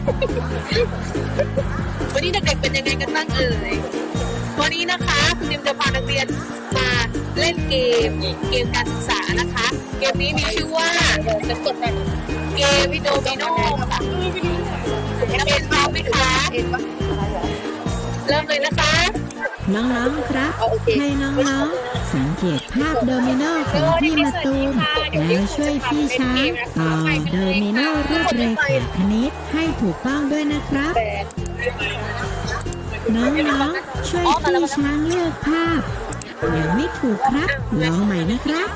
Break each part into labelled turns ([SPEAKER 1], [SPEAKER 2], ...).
[SPEAKER 1] วันนี้เด็กๆเป็นยังไงกันบ้างเอ่ยวันนี้นะคะคุณดิมจะพานักเรียนมาเล่นเกมการศึกษานะคะ เกมนี้มีชื่อว่าเกมวิโดมิโนค่ะนักเรียนพร้อมไหมคะเริ่มเลยนะคะ
[SPEAKER 2] น้องๆครับให้น้องๆสังเกตภาพโดมิโนของพี่มะตูมแล้วช่วยพี่ช้างต่อโดมิโนรูปเรขาคณิตให้ถูกต้องด้วยนะครับน้องๆช่วยพี่ช้างเลือกภาพยังไม่ถูกครับลองใหม่นะครับ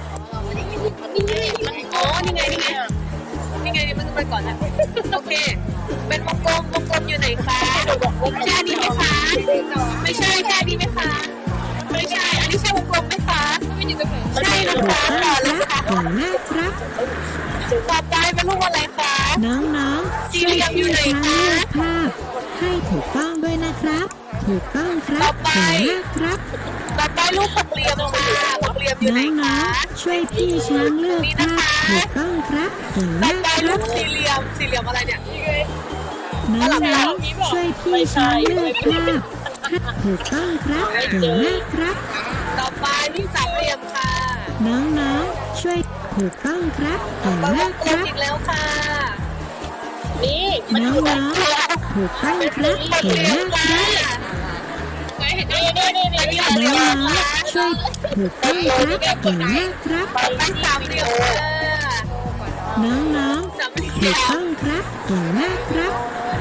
[SPEAKER 1] อ๋อนี่ไงมันไปก่อนนะโอเคเป็นวงกลมอยู่ไหนคะใช่อันนี้ไหมคะไม่ใช่แค่นี้ไหมคะไม่ใช่อันนี้ใช่วงกลมไหมคะใช่นะคะต่อเลยค่ะ
[SPEAKER 2] เก่งมากครับ
[SPEAKER 1] ต่อไปเป็นรูปอะไรคะ
[SPEAKER 2] น้องๆช่วยพี่ช้างเลือกภาพให้ถูกต้องด้วยนะครับถูกต้องครับเก่งมากครับ
[SPEAKER 1] ต่อไปรูปหกเหลี่ยมค่ะหกเหลี่ยมอยู่ไหนคะ
[SPEAKER 2] ช่วยพี่ช้างเลือกภาพถูกต้องครับเก่งมากครับ
[SPEAKER 1] สี่เหลี่ยมอะไรเนี่ย
[SPEAKER 2] น้องๆช่วยพี่ช้างเลือกภาพถูกต้องครับเก่งมากครับ
[SPEAKER 1] ต่อไปนี่สามเหลี่ยมค่ะ
[SPEAKER 2] น้องๆช่วยถูกต้องครับเก่งมากครับ
[SPEAKER 1] อีกแล้วค่ะ
[SPEAKER 2] น้องๆถูกต้องครับเก่งมากครับน้องๆช่วยถูกต้องครับเก่งมากครับ
[SPEAKER 1] สามเหลี่ยม
[SPEAKER 2] น้องๆถูกต้องครับเก่งมากครับ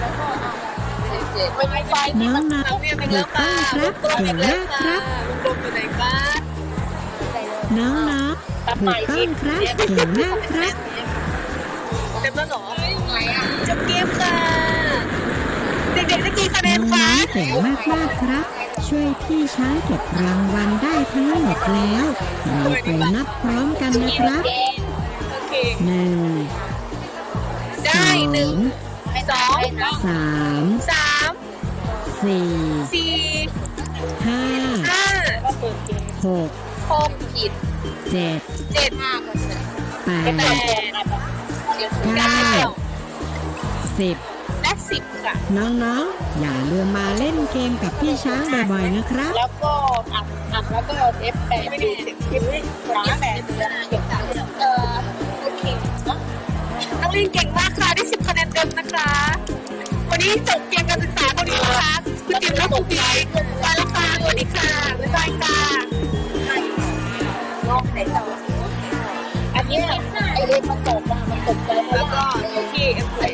[SPEAKER 2] น้องๆถูกต้องครับเก่งมากครับน้องๆถูกต้องครับเก่งมากครับ
[SPEAKER 1] เต็มแล้วเหรอจบเกมค่ะเด็กๆได้กี่คะแนนคะ
[SPEAKER 2] เก่งมากครับช่วยพี่ช้างเก็บรางวัลได้ทั้งหมดแล้วเราไปนับพร้อมกันนะครับ1
[SPEAKER 1] ได้1 2
[SPEAKER 2] 3 4 5 6 7 8 9 10
[SPEAKER 1] และ10ค่ะ
[SPEAKER 2] น้องๆอย่าลืมมาเล่นเกมกับพี่ช้างบ่อยๆนะครับ
[SPEAKER 3] แล้วก็อัดแล้วก็F8ไม่ได้
[SPEAKER 1] โอเคนักเรียนเก่งมากค่ะได้10คะแนนเต็มนะคะวันนี้จบเกมการศึกษาพอดีนะคะคุณจิมและคุณปีไปแล้วค่ะสวัสดีค่ะบ๊ายบายค่ะ
[SPEAKER 3] อันนี้ไอเล็กมันตกใจ
[SPEAKER 1] แล้วก็โอเค